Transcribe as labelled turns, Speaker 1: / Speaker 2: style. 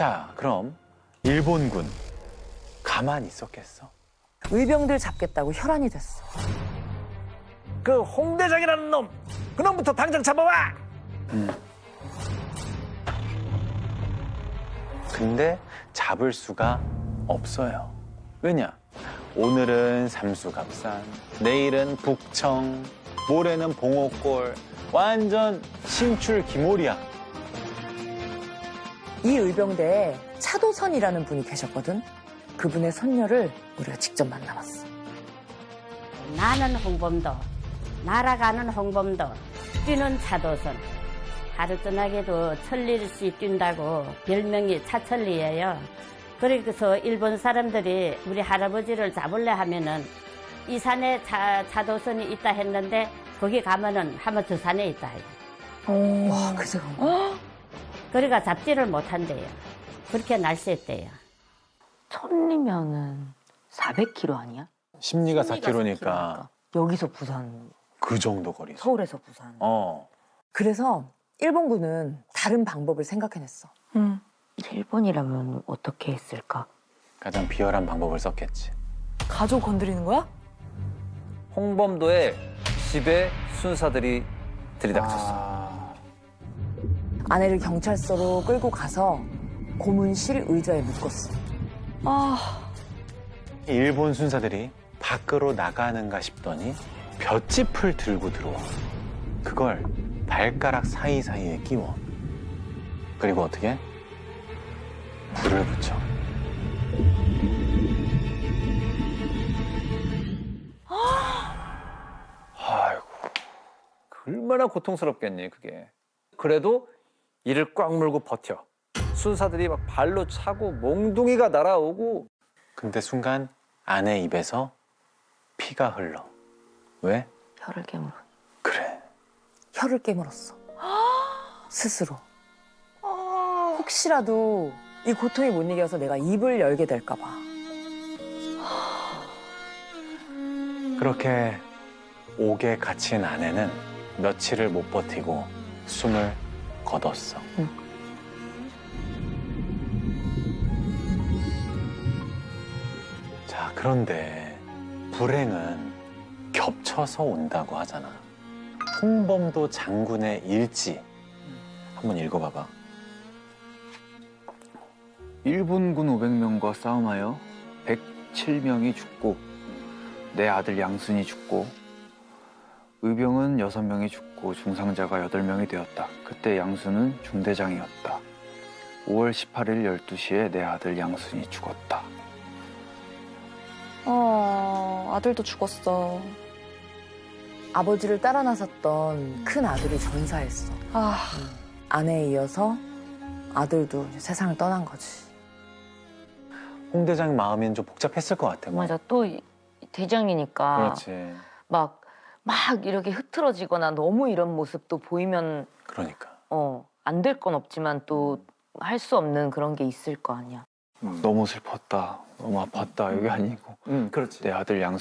Speaker 1: 자, 그럼 일본군 가만히 있었겠어?
Speaker 2: 의병들 잡겠다고 혈안이 됐어.
Speaker 3: 그 홍대장이라는 놈, 그놈부터 당장 잡아와.
Speaker 1: 근데 잡을 수가 없어요. 왜냐? 오늘은 삼수갑산, 내일은 북청, 모레는 봉오골, 완전 신출귀몰이야.
Speaker 2: 이 의병대에 차도선이라는 분이 계셨거든. 그분의 손녀를 우리가 직접 만나봤어.
Speaker 4: 나는 홍범도, 날아가는 홍범도, 뛰는 차도선. 하루 떠나게도 천리씩 뛴다고 별명이 차천리예요. 그래서 일본 사람들이 우리 할아버지를 잡으려 하면은 이 산에 차도선이 있다 했는데 거기 가면은 하면 저 산에 있다.
Speaker 2: 와, 그새 간 거야?
Speaker 4: 그러니까 잡지를 못한대요. 그렇게 날씨했대요.
Speaker 5: 천리면은 400km 아니야?
Speaker 1: 심리가 4km니까
Speaker 5: 여기서 부산,
Speaker 1: 그 정도 거리.
Speaker 5: 서울에서 부산.
Speaker 2: 그래서 일본군은 다른 방법을 생각해냈어.
Speaker 5: 일본이라면 어떻게 했을까?
Speaker 1: 가장 비열한 방법을 썼겠지.
Speaker 6: 가족 건드리는 거야?
Speaker 3: 홍범도의 집에 순사들이 들이닥쳤어.
Speaker 2: 아내를 경찰서로 끌고 가서 고문실 의자에 묶었어.
Speaker 1: 일본 순사들이 밖으로 나가는가 싶더니 볏짚을 들고 들어와. 그걸 발가락 사이사이에 끼워. 그리고 어떻게? 불을 붙여.
Speaker 3: 아이고, 얼마나 고통스럽겠니, 그게. 그래도 이를 꽉 물고 버텨. 순사들이 막 발로 차고 몽둥이가 날아오고.
Speaker 1: 근데 순간 아내 입에서 피가 흘러. 왜?
Speaker 5: 혀를 깨물어.
Speaker 1: 그래.
Speaker 2: 혀를 깨물었어. 스스로. 혹시라도 이 고통이 못 이겨서 내가 입을 열게 될까 봐.
Speaker 1: 그렇게 옥에 갇힌 아내는 며칠을 못 버티고 숨을 거뒀어. 자, 그런데 불행은 겹쳐서 온다고 하잖아. 홍범도 장군의 일지 한번 읽어봐봐.
Speaker 7: 일본군 500명과 싸움하여 107명이 죽고 내 아들 양순이 죽고 의병은 6명이 죽고 중상자가 8명이 되었다. 그때 양순은 중대장이었다. 5월 18일 12시에 내 아들 양순이 죽었다.
Speaker 6: 아들도 죽었어.
Speaker 2: 아버지를 따라 나섰던 큰 아들이 전사했어. 아내에 이어서 아들도 이제 세상을 떠난 거지.
Speaker 1: 홍 대장 마음엔 좀 복잡했을 것 같아.
Speaker 5: 맞아, 또 대장이니까
Speaker 1: 그렇지.
Speaker 5: 막 이렇게 흐트러지거나 너무 이런 모습도 보이면
Speaker 1: 그러니까.
Speaker 5: 안 될 건 없지만 또 할 수 없는 그런 게 있을 거 아니야.
Speaker 7: 너무 슬펐다. 너무 아팠다. 이게 아니고
Speaker 3: 그렇지.
Speaker 7: 내 아들 양순이